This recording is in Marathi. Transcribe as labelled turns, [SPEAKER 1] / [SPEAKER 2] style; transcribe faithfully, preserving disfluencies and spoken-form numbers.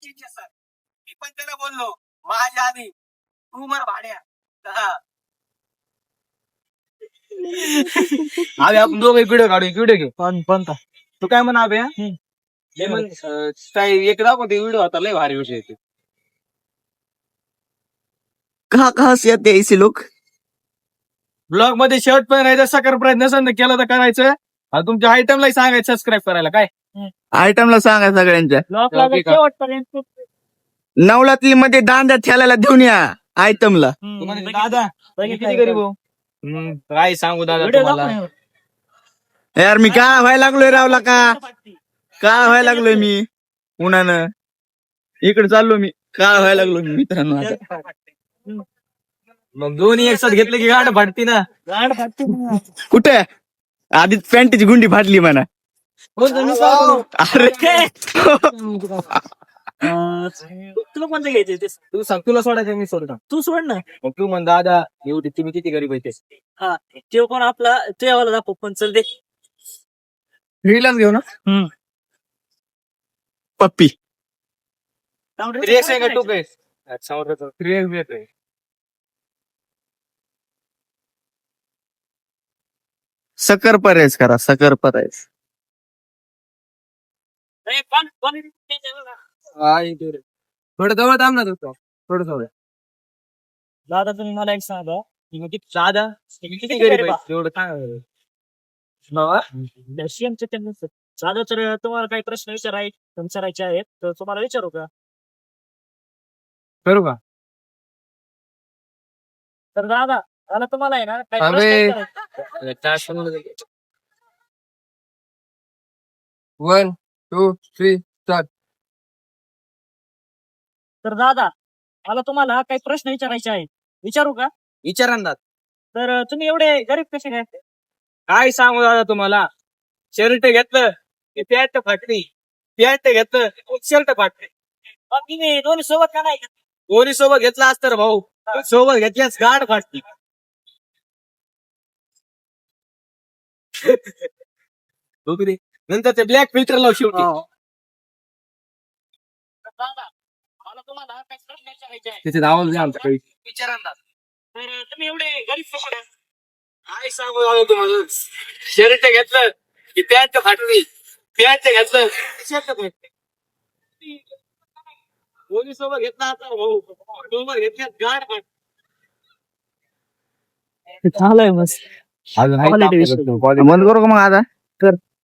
[SPEAKER 1] सचिनचे सर. मी पण त्याला बोललो माझ्या आधी तू मर भाड्या. हा.
[SPEAKER 2] अबे आपण दोघं व्हिडिओ काढू व्हिडिओ घेऊ पण पण तू काय म्हणा अबे काय एक दाखवते व्हिडिओ आता लय भारी विषय येते.
[SPEAKER 3] कहा कहा से आते हैं ऐसे लोग?
[SPEAKER 2] ब्लॉग मध्ये शर्ट पण राहायचं सकर प्रयत्न नसेल तर केलं तर करायचं आणि तुमच्या आयटमलाही सांगायचं सबस्क्राईब करायला काय
[SPEAKER 3] आयटमला सांगा सगळ्यांच्या
[SPEAKER 2] शेवटपर्यंत
[SPEAKER 3] नवलातली मध्ये दांड्या ठेलायला देऊन या आयटमला.
[SPEAKER 2] दादा किती गरीब हो काय सांगू दादा तुम्हाला
[SPEAKER 3] यार मी काय व्हायला लागलोय रावला का काय व्हायला लागलोय मी उन्हानं इकडे चाललो मी काय व्हायला लागलो मी मित्रांनो आता.
[SPEAKER 2] मग दोन्ही एक साथ घेतले की गाठ फाटती ना.
[SPEAKER 3] कुठे आधीच पॅन्टची गुंडी फाटली म्हणा. अरे
[SPEAKER 1] तुला कोणतं घ्यायचे
[SPEAKER 2] तू सांग तुला सोडायचं मी सोडतो
[SPEAKER 1] तू सोड ना.
[SPEAKER 2] मग तू म्हण दादा एवढी तुम्ही किती गरीब आहे ते
[SPEAKER 1] हा ते कोण आपला तुझ्यावाला दाखव पण चल दे
[SPEAKER 2] फ्रीलाच घेऊ ना
[SPEAKER 3] पप्पी
[SPEAKER 2] रिएक्शन का तू काय रिएक्शन
[SPEAKER 3] सकर परेज करा सकर परेज.
[SPEAKER 2] थोडं जवळ थांब ना तू थोडं जवळ
[SPEAKER 1] दादा तुम्ही मला एक सांगा
[SPEAKER 2] दादा किती गरीब आहे एवढं काय
[SPEAKER 1] दादा तर तुम्हाला काही प्रश्न विचाराय विचारायचे आहेत तर तुम्हाला विचारू का?
[SPEAKER 2] करू का
[SPEAKER 1] तर दादा मला तुम्हाला आहे ना काही
[SPEAKER 2] अबे.
[SPEAKER 1] प्रश्न विचारायचे.
[SPEAKER 2] One two three start.
[SPEAKER 1] तर दादा मला तुम्हाला काही प्रश्न विचारायचे आहेत विचारू का?
[SPEAKER 2] विचारांना
[SPEAKER 1] तर तुम्ही एवढे गरीब कसे काय?
[SPEAKER 2] काय सांगू दादा तुम्हाला शर्ट घेतलं की पॅन्ट फाटली पॅन्ट घेतलं शर्ट फाटली
[SPEAKER 1] मग तुम्ही दोन्ही सोबत का नाही?
[SPEAKER 2] कोणी सोबत घेतला असतं रे भाऊ सोबत घेतल्यास गाड फाटली. नंतर ते ब्लॅक फिल्टर लाव शेवटी.
[SPEAKER 1] तर दादा मला तुम्हाला काही प्रश्न विचारायचे आहेत
[SPEAKER 2] त्याचे आवाज द्या आमच्या काही
[SPEAKER 1] विचारांना. तर तुम्ही एवढे गरीब कसे काय?
[SPEAKER 2] काय सांगू दादा तुम्हाला शर्ट घेतलं की पॅन्ट फाटली पॅन्ट घेतलं शर्ट फाटली. कोणी सोबत घेतला असता भाऊ सोबत घेतल्यास गाड फाटली.
[SPEAKER 1] झालंय मस्त
[SPEAKER 3] बंद करू का मग आता.